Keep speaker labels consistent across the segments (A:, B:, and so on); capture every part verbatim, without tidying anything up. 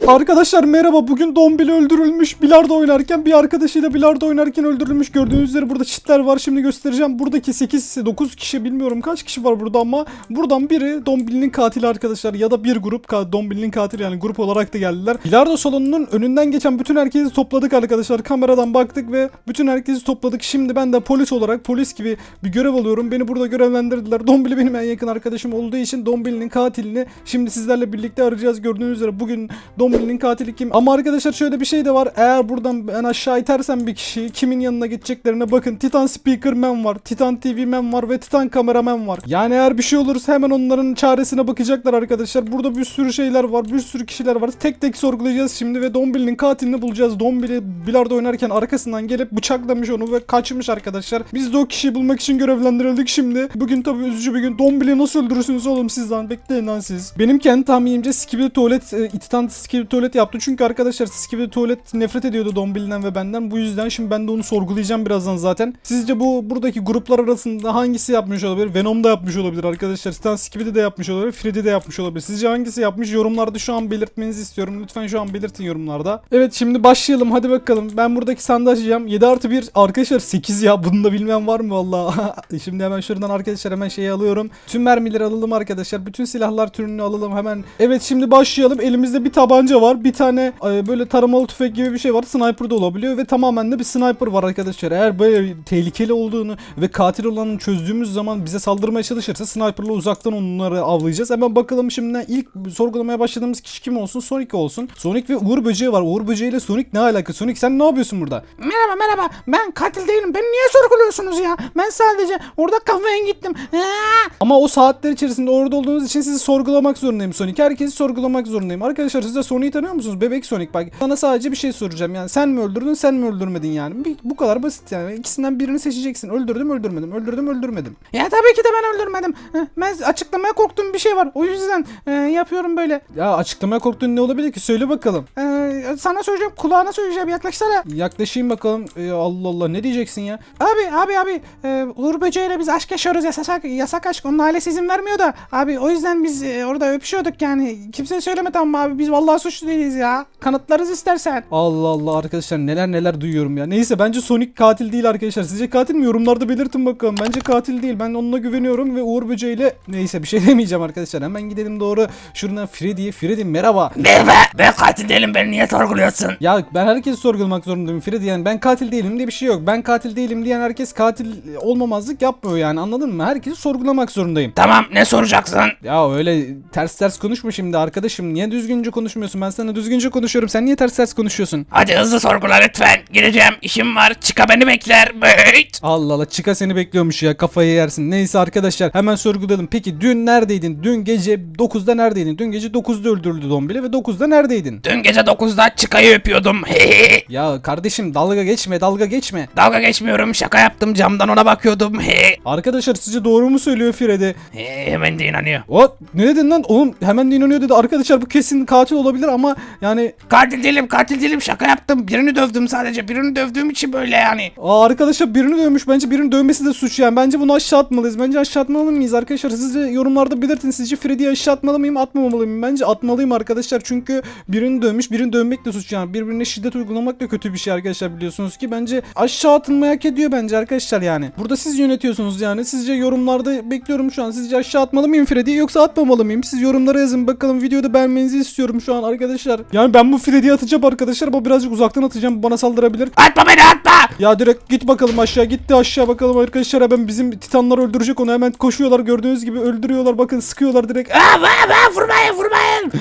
A: Arkadaşlar merhaba, bugün Dombili öldürülmüş bilardo oynarken, bir arkadaşıyla bilardo oynarken öldürülmüş. Gördüğünüz üzere burada çitler var, şimdi göstereceğim. Buradaki sekiz dokuz kişi, bilmiyorum kaç kişi var burada ama buradan biri Dombili'nin katili arkadaşlar, ya da bir grup Dombili'nin katili, yani grup olarak da geldiler. Bilardo salonunun önünden geçen bütün herkesi topladık arkadaşlar, kameradan baktık ve bütün herkesi topladık. Şimdi ben de polis olarak, polis gibi bir görev alıyorum, beni burada görevlendirdiler. Dombili benim en yakın arkadaşım olduğu için Dombili'nin katilini şimdi sizlerle birlikte arayacağız. Gördüğünüz üzere bugün Dombili'nin katili kim? Ama arkadaşlar şöyle bir şey de var. Eğer buradan ben aşağı itersem bir kişiyi, kimin yanına gideceklerine bakın. Titan Speaker Man var, Titan T V Man var ve Titan Kameraman var. Yani eğer bir şey olursa hemen onların çaresine bakacaklar arkadaşlar. Burada bir sürü şeyler var, bir sürü kişiler var. Tek tek sorgulayacağız şimdi ve Dombili'nin katilini bulacağız. Dombili bilardo oynarken arkasından gelip bıçaklamış onu ve kaçmış arkadaşlar. Biz de o kişiyi bulmak için görevlendirildik şimdi. Bugün tabii üzücü bir gün. Dombili'yi nasıl öldürürsünüz oğlum sizden? Bekleyin lan siz. Benim kendi tahminimce Skibidi Tuvalet, e, Titan Skibidi Tuvalet yaptı. Çünkü arkadaşlar Skibidi Tuvalet nefret ediyordu Dombili'den ve benden. Bu yüzden şimdi ben de onu sorgulayacağım birazdan zaten. Sizce bu buradaki gruplar arasında hangisi yapmış olabilir? Venom da yapmış olabilir arkadaşlar. Titan Skibidi de yapmış olabilir. Freddy de yapmış olabilir. Sizce hangisi yapmış? Yorumlarda şu an belirtmenizi istiyorum. Lütfen şu an belirtin yorumlarda. Evet, şimdi başlayalım. Hadi bakalım. Ben buradaki sandığı açacağım. yedi artı bir arkadaşlar sekiz ya. Bunu da bilmem var mı valla. Şimdi hemen şuradan arkadaşlar hemen şeyi alıyorum. Tüm mermileri alalım arkadaşlar. Bütün silahlar türünü alalım hemen. Evet, şimdi başlayalım. Elimizde bir tabanca var. Bir tane e, böyle taramalı tüfek gibi bir şey var. Sniper da olabiliyor ve tamamen de bir sniper var arkadaşlar. Eğer böyle tehlikeli olduğunu ve katil olanını çözdüğümüz zaman bize saldırmaya çalışırsa sniperla uzaktan onları avlayacağız. Hemen bakalım şimdiden ilk sorgulamaya başladığımız kişi kim olsun? Sonic olsun. Sonic ve Uğur Böceği var. Uğur Böceği ile Sonic ne alaka? Sonic sen ne yapıyorsun burada?
B: Merhaba merhaba, ben katil değilim, beni niye sorguluyorsunuz ya? Ben sadece orada kafeye gittim. Aa!
A: Ama o saatler içerisinde orada olduğunuz için sizi sorgulamak zorundayım Sonic. Herkesi sorgulamak zorundayım. Arkadaşlar siz de Sonic'i tanıyor musunuz? Bebek Sonic bak. Sana sadece bir şey soracağım. Yani sen mi öldürdün, sen mi öldürmedin yani? Bir, bu kadar basit yani. İkisinden birini seçeceksin. Öldürdüm, öldürmedim. Öldürdüm, öldürmedim.
B: Ya tabii ki de ben öldürmedim. Ben açıklamaya korktuğum bir şey var. O yüzden e, yapıyorum böyle.
A: Ya açıklamaya korktuğun ne olabilir ki? Söyle bakalım.
B: E, sana söyleyeceğim, kulağına söyleyeceğim. Yaklaşsana.
A: Yaklaşayım bakalım. Ee, Allah Allah, ne diyeceksin ya?
B: Abi abi abi, e, Uğur Böceği'yle biz aşk yaşıyoruz. Yasak, yasak aşk. Onun ailesi izin vermiyor da. Abi o yüzden biz e, orada öpüşüyorduk yani. Kimseye söyleme tamam mı abi? Biz vallahi suçlu değiliz ya. Kanıtlarız istersen.
A: Allah Allah arkadaşlar, neler neler duyuyorum ya. Neyse, bence Sonic katil değil arkadaşlar. Sizce katil mi? Yorumlarda belirtin bakalım. Bence katil değil. Ben onunla güveniyorum ve Uğur Böceği'yle neyse bir şey demeyeceğim arkadaşlar. Hemen gidelim doğru. Şuradan Freddy'ye. Freddy merhaba.
C: Merhaba, ben katil değilim, beni niye sorguluyorsun?
A: Ya ben herkesi sorgulamak zorundayım Freddy, yani ben katil değilim diye bir şey yok. Ben katil değilim diyen herkes katil olmamazlık yapmıyor yani, anladın mı? Herkesi sorgulamak zorundayım.
C: Tamam, ne soracaksın?
A: Ya öyle ters ters konuşma şimdi arkadaşım. Niye düzgünce konuşmuyorsun? Ben sana düzgünce konuşuyorum. Sen niye ters ters konuşuyorsun?
C: Hadi hızlı sorgula lütfen, gideceğim, işim var, çıka beni bekler. Beyt.
A: Allah Allah, çıka seni bekliyormuş ya, kafayı yersin. Neyse arkadaşlar, hemen sorguladım. Peki dün neredeydin? Dün gece dokuzda neredeydin? Dün gece dokuzda öldürüldü Dombili ve dokuzda neredeydin?
C: Dün gece dokuzda çıkayı öpüyordum. Hehe.
A: Ya kardeşim, dalga geçme dalga geçme.
C: Dalga geçmiyorum, şaka yaptım, camdan ona bakıyordum. He.
A: Arkadaşlar sizce doğru mu söylüyor Freddy?
C: He, hemen de inanıyor.
A: O ne dedin lan? Oğlum hemen de inanıyor dedi. Arkadaşlar bu kesin katil olabilir ama yani...
C: Katil değilim, katil değilim, şaka yaptım. Birini dövdüm sadece, birini dövdüğüm için böyle yani.
A: Aa, arkadaşlar birini dövmüş. Bence birinin dövmesi de suç yani. Bence bunu aşağı atmalıyız. Bence aşağı atmalı mıyız arkadaşlar? Sizce yorumlarda belirtin. Sizce Freddy'yi aşağı atmalı mıyım, atmamalı mıyım? Bence atmalıyım arkadaşlar. Çünkü birini dövmüş. Birini dövmek de suç yani. Birbirine şiddet uygulamak da kötü bir şey arkadaşlar, biliyorsunuz ki. Bence aşağı atılmayı hak ediyor bence arkadaşlar yani. Burada siz yönetiyorsunuz yani. Sizce yorumlarda bekliyorum şu an. Sizce aşağı atmalı mıyım Freddy'yi yoksa atmamalı mıyım? Siz yorumlara yazın bakalım. Videoda beğenmenizi istiyorum şu an arkadaşlar. Yani ben bu Freddy'yi atacağım arkadaşlar ama birazcık uzaktan atacağım. Bana saldırabilir.
C: Atma beni, atma.
A: Ya direkt git bakalım aşağı. Gitti aşağı bakalım arkadaşlar. Hemen bizim titanlar öldürecek onu. Hemen koşuyorlar. Gördüğünüz gibi öldürüyorlar. Bakın sıkıyorlar direkt.
C: Aa, vaa, vaa, vurmayın, vurmayın.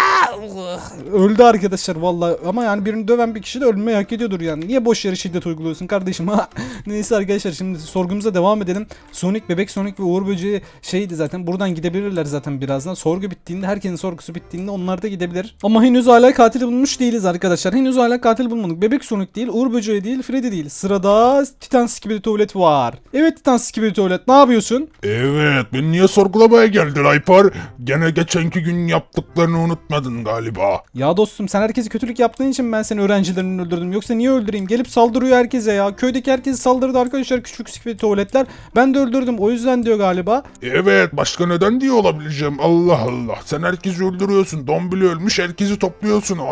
C: Vaa.
A: Öldü arkadaşlar vallahi. Ama yani birini döven bir kişi de ölmeyi hak ediyordur yani. Niye boş yere şiddet uyguluyorsun kardeşim? Neyse arkadaşlar, şimdi sorgumuza devam edelim. Sonic, Bebek Sonic ve Uğur Böceği şeydi zaten. Buradan gidebilirler zaten birazdan. Sorgu bittiğinde, herkesin sorgusu bittiğinde onlar da gidebilir. Ama henüz hala katil bulmuş değiliz arkadaşlar. Henüz hala katil bulmadık. Bebek Sonic değil, Uğur Böceği değil, Freddy değil. Sırada Titan Skibidi Tuvalet var. Evet Titan Skibidi Tuvalet, ne yapıyorsun?
D: Evet, beni niye sorgulamaya geldin Aypar? Gene geçenki gün yaptıklarını unutmadın galiba.
A: Ya dostum, sen herkesi kötülük yaptığın için ben seni öğrencilerini öldürdüm. Yoksa niye öldüreyim? Gelip saldırıyor herkese ya. Köydeki herkesi saldırdı arkadaşlar, küçük Skibidi Tuvaletler. Ben de öldürdüm, o yüzden diyor galiba.
D: Evet, başka neden diye olabileceğim. Allah Allah. Sen herkesi öldürüyorsun. Dombili ölmüş, herkesi topluyorsun.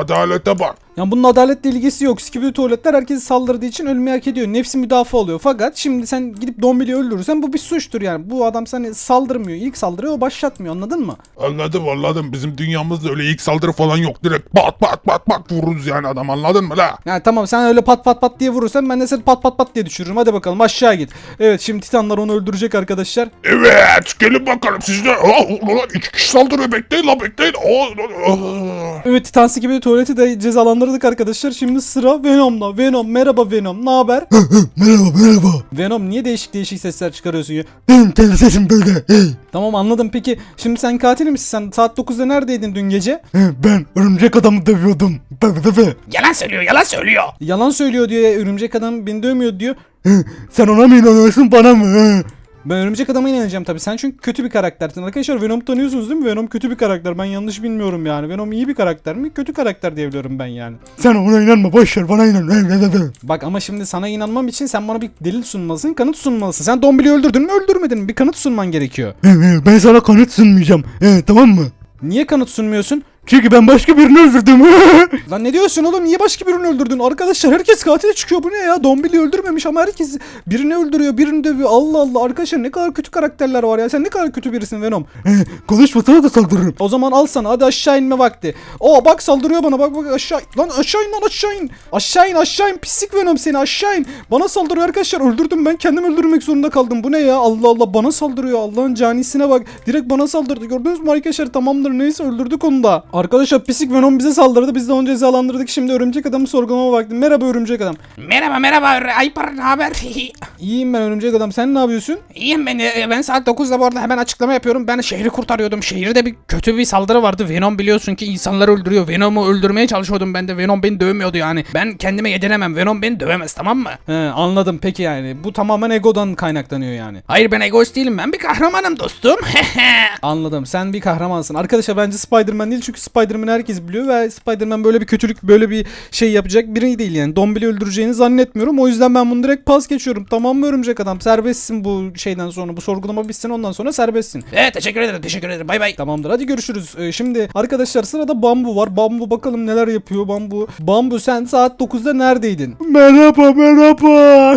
D: Adalete bak.
A: Yani bunun adaletle ilgisi yok. Skibidi tuvaletler herkesi saldırdığı için ölmeyi hak ediyor. Nefsi müdafaa oluyor. Fakat şimdi sen gidip Dombili'yi öldürürsen bu bir suçtur yani. Bu adam sana saldırmıyor. İlk saldırıyor o başlatmıyor, anladın mı?
D: Anladım anladım. Bizim dünyamızda öyle ilk saldırı falan yok. Direkt pat pat pat pat vururuz yani adam, anladın mı la?
A: Yani tamam, sen öyle pat pat pat diye vurursan ben de seni pat pat pat diye düşürürüm. Hadi bakalım aşağı git. Evet, şimdi Titanlar onu öldürecek arkadaşlar.
D: Evet, gelin bakalım siz de. Aa, ulan iki kişi saldırıyor, bekleyin la bekleyin. Aa, aa.
A: Evet, Titan Skibidi tuvaleti de cezalandırdık arkadaşlar. Şimdi sıra Venom'da. Venom, merhaba Venom, ne haber?
E: Merhaba merhaba.
A: Venom, niye değişik değişik sesler çıkarıyorsun ya?
E: Benim kendi sesim böyle. Hey.
A: Tamam, anladım. Peki şimdi sen katil misin? Sen saat dokuzda neredeydin dün gece?
E: Ben örümcek adamı dövüyordum. Tabii tabii.
C: Yalan söylüyor yalan söylüyor.
A: Yalan söylüyor diyor. Örümcek adam beni dövmüyor diyor.
E: Sen ona mı inanıyorsun bana mı?
A: Ben örümcek adama inanacağım tabii. Sen çünkü kötü bir karaktersin. Arkadaşlar Venom'u tanıyorsunuz değil mi? Venom kötü bir karakter. Ben yanlış bilmiyorum yani. Venom iyi bir karakter mi? Kötü karakter diye biliyorum ben yani.
E: Sen ona inanma, boş ver, bana inan.
A: Bak ama şimdi sana inanmam için sen bana bir delil sunmalısın, kanıt sunmalısın. Sen Dombili'yi öldürdün mü öldürmedin mi? Bir kanıt sunman gerekiyor.
E: Ben sana kanıt sunmayacağım. Tamam mı?
A: Niye kanıt sunmuyorsun?
E: Çünkü ben başka birini öldürdüm.
A: Lan ne diyorsun oğlum? Niye başka birini öldürdün? Arkadaşlar herkes katile çıkıyor. Bu ne ya? Dombili'yi öldürmemiş ama herkes birini öldürüyor, birini dövüyor. Allah Allah, arkadaşlar ne kadar kötü karakterler var ya. Sen ne kadar kötü birisin Venom.
E: Konuşmasana da saldırırım.
A: O zaman al sana, hadi aşağı inme vakti. Oo bak, saldırıyor bana, bak bak aşağı. Lan aşağı in, lan aşağı in. Aşağı in, aşağı in, pislik Venom seni, aşağı in. Bana saldırıyor arkadaşlar, öldürdüm, ben kendim öldürmek zorunda kaldım. Bu ne ya? Allah Allah, bana saldırıyor, Allah'ın canisine bak. Direkt bana saldırdı, gördünüz mü arkadaşlar? Tamamdır, neyse, öldürdük onu da. Arkadaşlar pislik Venom bize saldırdı, biz de onu cezalandırdık. Şimdi örümcek adamı sorgulama vakti. Merhaba örümcek adam.
C: Merhaba merhaba Aypar, ne haber?
A: İyiyim ben örümcek adam, sen ne yapıyorsun?
C: İyiyim ben. e, Ben saat dokuzda bu arada hemen açıklama yapıyorum. Ben şehri kurtarıyordum. Şehirde bir kötü bir saldırı vardı. Venom biliyorsun ki insanları öldürüyor. Venom'u öldürmeye çalışıyordum ben de. Venom beni dövmüyordu yani. Ben kendime yedinemem. Venom beni dövemez, tamam mı?
A: He, anladım, peki yani. Bu tamamen egodan kaynaklanıyor yani.
C: Hayır, ben egoist değilim. Ben bir kahramanım dostum.
A: Anladım. Sen bir kahramansın. Arkadaşlar bence Spider-Man değil, çünkü Spider-Man'i herkes biliyor ve Spider-Man böyle bir kötülük, böyle bir şey yapacak biri değil yani. Dombili'yi öldüreceğini zannetmiyorum. O yüzden ben bunu direkt pas geçiyorum. Tamam mı örümcek adam? Serbestsin bu şeyden sonra. Bu sorgulama bitsin, ondan sonra serbestsin.
C: Evet, teşekkür ederim teşekkür ederim. Bay bay.
A: Tamamdır. Hadi görüşürüz. Ee, şimdi arkadaşlar sırada Bambu var. Bambu bakalım neler yapıyor Bambu. Bambu, sen saat dokuzda neredeydin?
E: Merhaba merhaba.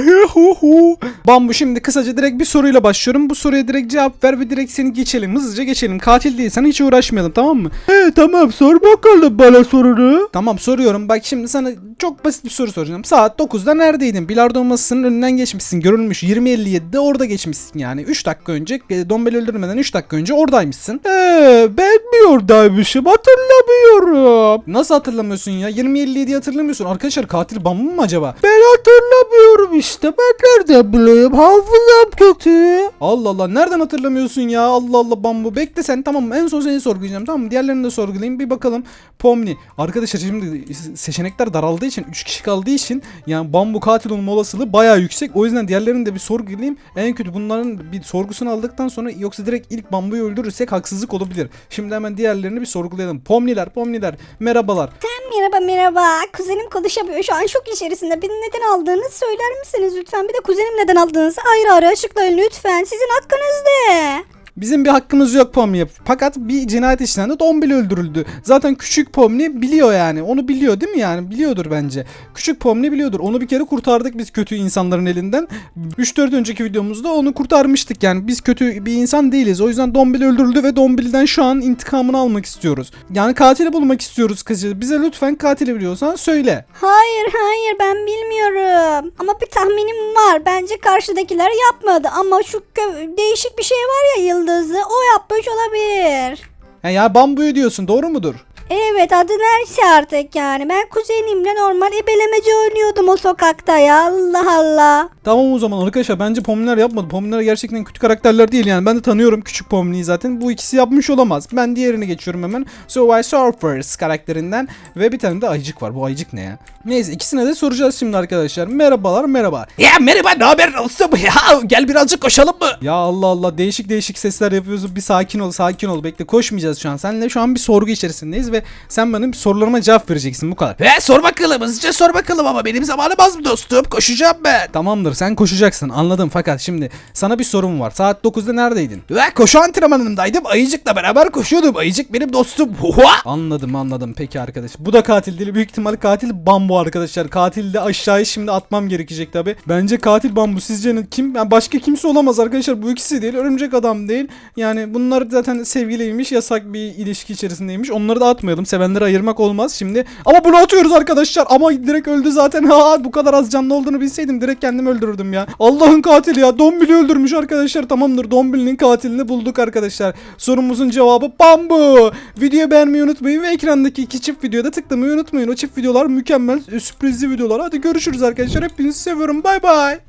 A: Bambu, şimdi kısaca direkt bir soruyla başlıyorum. Bu soruya direkt cevap ver ve direkt seni geçelim. Hızlıca geçelim. Katil değilsen hiç uğraşmayalım, tamam mı?
E: He, tamam, sor bakalım bana sorunu.
A: Tamam, soruyorum. Bak şimdi sana çok basit bir soru soracağım. Saat dokuzda neredeydin? Bilardo masasının önünden geçmişsin. Görülmüş yirmi elli yedide orada geçmişsin yani. üç dakika önce, e, Dombeli öldürmeden üç dakika önce oradaymışsın.
E: He, ben mi oradaymışım, hatırlamıyorum.
A: Nasıl hatırlamıyorsun ya? yirmi elli yediyi hatırlamıyorsun. Arkadaşlar katil Bambu mu acaba?
E: Ben hatırlamıyorum işte, ben nereden bileyim, hafızam kötü.
A: Allah Allah, nereden hatırlamıyorsun ya? Allah Allah Bambu. Bekle sen, tamam mı? En son seni sorgulayacağım, tamam mı? Diğerlerini de sorgulayayım. Bir bakalım. Pomni. Arkadaşlar şimdi seçenekler daraldığı için, üç kişi kaldığı için yani Bambu katil olma olasılığı bayağı yüksek. O yüzden diğerlerini de bir sorgulayayım. En kötü bunların bir sorgusunu aldıktan sonra, yoksa direkt ilk Bambu'yu öldürürsek haksızlık olabilir. Şimdi hemen diğerlerini bir sorgulayalım. Pomniler, Pomniler. Merhabalar.
F: Merhaba merhaba. Kuzenim konuşamıyor. Şu an şok içerisinde. Beni neden aldığınızı söyler misiniz lütfen? Bir de kuzenim neden aldığınızı ayrı ayrı açıklayın lütfen. Sizin hakkınız ne?
A: Bizim bir hakkımız yok Pomni. Fakat bir cinayet işlendi. Dombili öldürüldü. Zaten küçük Pomni biliyor yani. Onu biliyor değil mi yani? Biliyordur bence. Küçük Pomni biliyordur. Onu bir kere kurtardık biz kötü insanların elinden. üç dört önceki videomuzda onu kurtarmıştık yani. Biz kötü bir insan değiliz. O yüzden Dombili öldürüldü ve Dombili'den şu an intikamını almak istiyoruz. Yani katili bulmak istiyoruz kızı. Bize lütfen katili biliyorsan söyle.
F: Hayır hayır ben bilmiyorum. Ama bir tahminim var. Bence karşıdakiler yapmadı. Ama şu kö- değişik bir şey var ya, Yıldız'ı. O yapmış olabilir.
A: Ya, ya Bambu'yu diyorsun, doğru mudur?
F: Evet, adı neyse artık yani. Ben kuzenimle normal ebelemece oynuyordum o sokakta ya. Allah Allah.
A: Tamam o zaman arkadaşlar, bence Pomniler yapmadı. Pomniler gerçekten kötü karakterler değil yani. Ben de tanıyorum küçük Pomni'yi zaten. Bu ikisi yapmış olamaz. Ben diğerini geçiyorum hemen. So I Surfers karakterinden ve bir tane de Ayıcık var. Bu Ayıcık ne ya? Neyse, ikisine de soracağız şimdi arkadaşlar. Merhabalar, merhaba.
C: Ya merhaba, ne haber dostum? Ya gel birazcık koşalım mı?
A: Ya Allah Allah, değişik değişik sesler yapıyorsun. Bir sakin ol, sakin ol. Bekle, koşmayacağız şu an. Seninle şu an bir sorgu içerisindeyiz ve ve sen benim sorularıma cevap vereceksin, bu kadar.
C: He sor bakalım hızlıca sor bakalım ama benim zamanım az mı dostum? Koşacağım ben.
A: Tamamdır, sen koşacaksın, anladım, fakat şimdi sana bir sorum var. Saat dokuzda neredeydin?
C: Ve koşu antrenmanındaydım. Ayıcık'la beraber koşuyordum. Ayıcık benim dostum. Hua!
A: Anladım anladım, peki arkadaş. Bu da katil değil, büyük ihtimal katil Bambu arkadaşlar. Katil de aşağıya şimdi atmam gerekecek tabi. Bence katil Bambu, sizce ne- kim? Yani başka kimse olamaz arkadaşlar, bu ikisi değil. Örümcek adam değil. Yani bunlar zaten sevgiliymiş, yasak bir ilişki içerisindeymiş. Onları da atmayalım, sevenleri ayırmak olmaz şimdi. Ama bunu atıyoruz arkadaşlar, ama direkt öldü zaten. Ha, bu kadar az canlı olduğunu bilseydim direkt kendimi öldürürdüm ya. Allah'ın katili ya, Dombil'i öldürmüş arkadaşlar. Tamamdır, Dombil'in katilini bulduk arkadaşlar. Sorumuzun cevabı Bambu. Videoyu beğenmeyi unutmayın ve ekrandaki iki çift videoda tıklamayı unutmayın. O çift videolar mükemmel, e, sürprizli videolar. Hadi görüşürüz arkadaşlar. Hepinizi seviyorum. Bay bay.